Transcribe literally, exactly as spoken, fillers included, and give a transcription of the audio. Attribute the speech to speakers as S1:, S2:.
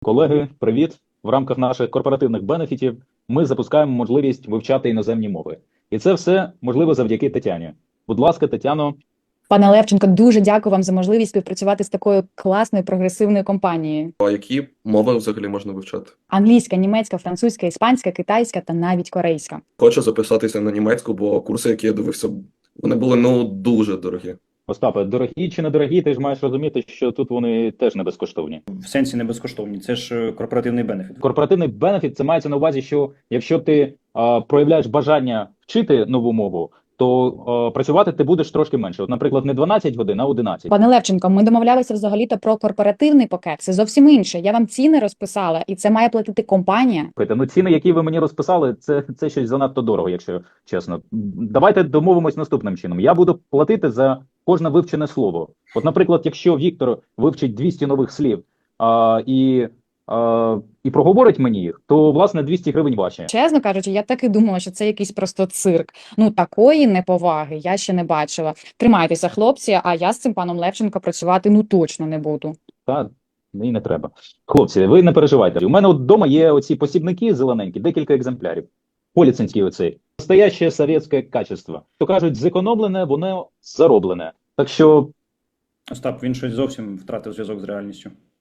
S1: Колеги, привіт! В рамках наших корпоративних бенефітів ми запускаємо можливість вивчати іноземні мови. І це все можливо завдяки Тетяні. Будь ласка, Тетяно.
S2: Пане Левченко, дуже дякую вам за можливість співпрацювати з такою класною прогресивною компанією.
S3: А які мови взагалі можна вивчати?
S2: Англійська, німецька, французька, іспанська, китайська та навіть корейська.
S3: Хочу записатися на німецьку, бо курси, які я дивився, вони були ну дуже дорогі.
S1: Остапе, дорогі чи недорогі, ти ж маєш розуміти, що тут вони теж не безкоштовні.
S4: В сенсі не безкоштовні, це ж е, корпоративний бенефіт.
S1: Корпоративний бенефіт – це мається на увазі, що якщо ти а, проявляєш бажання вчити нову мову, то а, працювати ти будеш трошки менше. От, наприклад, не дванадцять годин, а одинадцять.
S2: Пане Левченко, ми домовлялися взагалі-то про корпоративний пакет. Це зовсім інше. Я вам ціни розписала, і це має платити компанія.
S1: Слухайте, ну ціни, які ви мені розписали, це, це щось занадто дорого, якщо чесно. Давайте домовимось наступним чином. Я буду платити за кожне вивчене слово. От, наприклад, якщо Віктор вивчить двісті нових слів а, і, а, і проговорить мені їх, то, власне, двісті гривень ваші.
S2: Чесно кажучи, я так і думала, що це якийсь просто цирк. Ну, такої неповаги я ще не бачила. Тримайтеся, хлопці, а я з цим паном Левченко працювати ну точно не буду.
S1: Та, і не треба. Хлопці, ви не переживайте. У мене от вдома є оці посібники зелененькі, декілька екземплярів. Поліцинський оцей. Настояще совєтське качество. То кажуть, зекономлене, воно зароблене. Так що
S4: Остап, він щось зовсім втратив зв'язок з реальністю.